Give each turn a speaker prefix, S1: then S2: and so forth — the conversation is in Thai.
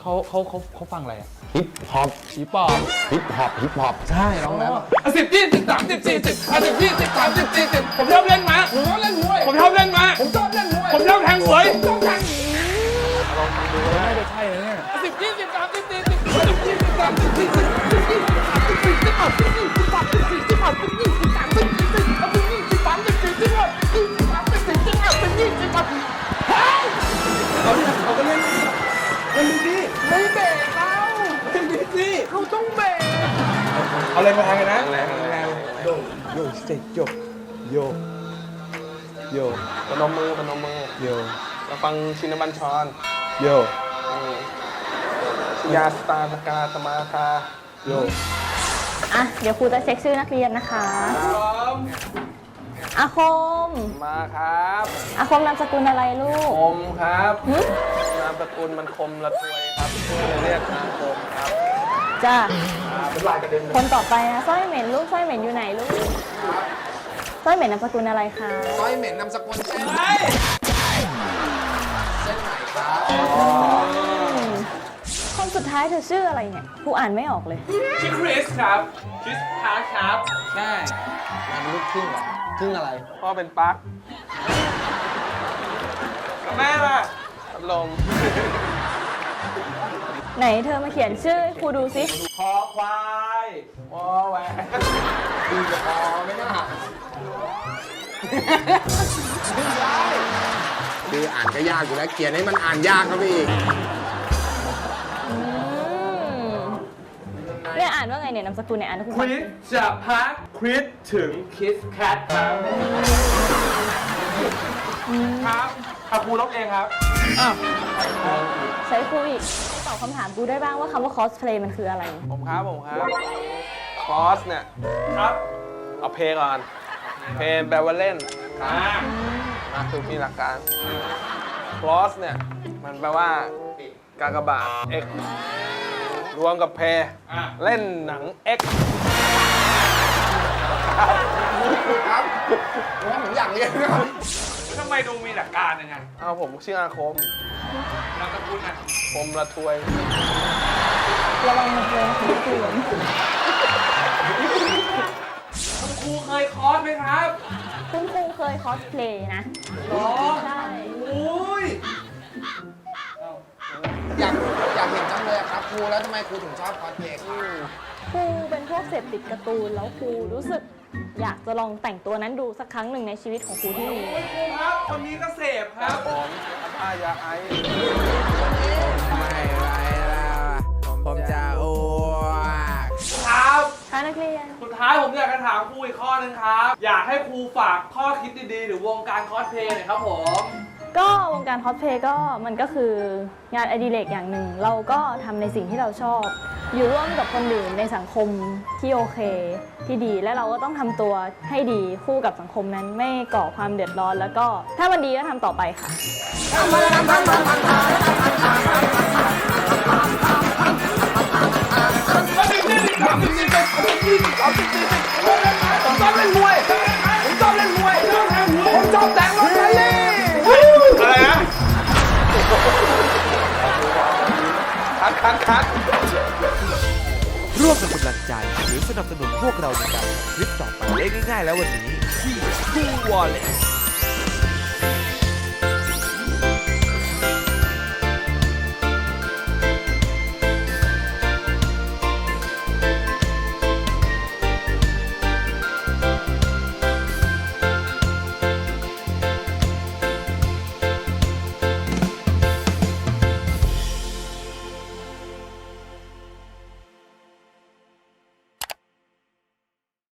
S1: เขาฟังอะไรอะ
S2: ฮิปฮอป
S1: ผีปอบ
S2: ฮิปฮอปฮิปฮอปใช่น้องแล้ว
S1: 10 20 30 40 50 20 30 40ผมชอบเล่นม้าผมชอบเล่นมวยผมชอบเล่นม้าผมชอบเล่นมวยผมชอบแทงหวยผมชอบแทงลองดูน่าจะใช่นะเนี่ย10 20 30 40เขาก็เล่นดูดิไม่เบรกเขาเป็นดิสิเขาต้องเบรกเอาเลยมาทางกันนะแรงโยโยเซ็กโยโยโยพนมมือโยเราฟังชินบัญชรโยยาสตาสกาสมาคาโย
S3: อ่ะเดี๋ยวครูจะเช็คชื่อนักเรียนนะคะอาคม
S1: มาครับ
S3: อาคมนามสกุลอะไรลูก
S1: คมครับนามสกุลมันคมละทวยครับเลยเรียกอาคมครับ
S3: จ้า
S1: เป็นลายกระเด็น
S3: คนต่อไปนะสร้อยเหม็นลูกสร้อยเหม็นอยู่ไหนลูกสร้อยเหม็นนามสกุลอะไรคะ
S2: ซอยเหม็นนามสกุลเส้นไหนครับ
S3: คนสุดท้ายเธอชื่ออะไรเนี่ยครูอ่านไม่ออกเลย
S1: ชื่อคริสครับคริสพาร์คครับใช่
S2: มันลูกครึ่งเหรอครึ่งอะไร
S1: พ่อเป็นปักแม่ล่ะพัดลม
S3: ไหนเธอมาเขียนชื่อให้ครูดูสิ
S1: คอควายวอแหวน
S2: ดีกับพอไม่น่าคืออ่านก็ยากอยู่แล้วเขียนให้มันอ่านยากครับพี่
S3: เนี่ยอ่านว่าไงเนี่ยนามสกุลเนี่ยอ่านให้ครู
S1: ค
S3: ฟัง
S1: ริสจะพักคริสถึงคิสแคทครับครับครูลบเองครับอ้าว
S3: ใช้ครูอีกตอบคำถามกูได้บ้างว่าคำว่าคอสเพลย์มันคืออะไร
S1: ผมครับคอสเนี่ยครับเอาเพลงก่อนเพลงแปลว่าเล่นคือมีหลักการคลอสเนี่ยมันแปลว่ากากบาท X รวมกับเพลเล่นหนัง X
S2: ครับผมอยากเรียนนะครับ
S1: ทำไมดูมีหลักการยังไงเอาผมชื่ออาคมนามสกุลอ่ะคมละทวย
S3: ระวังมันเลยครูเตือน
S1: คุณครูเคยคอร์สไหมครับ
S3: คุณครูเคยคอสเพลย์นะ
S1: หรอ
S3: ใช่
S1: อุ้ย
S2: อยากเห็นจังเลยครับครูแล้วทำไมครูถึงชอบคอสเพลย์ครับ
S3: ครูเป็นพวกเสพติดการ์ตูนแล้วครูรู้สึกอยากจะลองแต่งตัวนั้นดูสักครั้งหนึ่งในชีวิตของครูที่มี
S1: ครูครับ คนนี้ก็เสพครับผมอายาไอ
S4: ไม่ไหวแล้วผมจะอ้วก
S1: ครับ
S3: ค่ะนักเรียน
S1: สุดท้ายผมอยากจะถามครูอีกข้อนึงครับ อยากให้ครูฝากข้อคิดดีๆ หรือวงการคอสเพลย์หน่อยครับผม
S3: ก็วงการคอสเพลย์ก็มันก็คืองานอดิเรกอย่างหนึ่ง เราก็ทำในสิ่งที่เราชอบ อยู่ร่วมกับคนอื่นในสังคมที่โอเคที่ดีและเราก็ต้องทำตัวให้ดีคู่กับสังคมนั้นไม่ก่อความเดือดร้อน แล้วก็ถ้ามันดีก็ทำต่อไปค่ะ
S1: ผมชอบเล่นมวยผมชอบเล่นมวยผมชอบแต่งรถไฟเลยอะไรนะคัด
S4: ร่วมเป็นกำลังใจหรือสนับสนุนพวกเราในการทำคลิปต่อไปได้ง่ายๆแล้ววันนี้ที่ Cool Wallet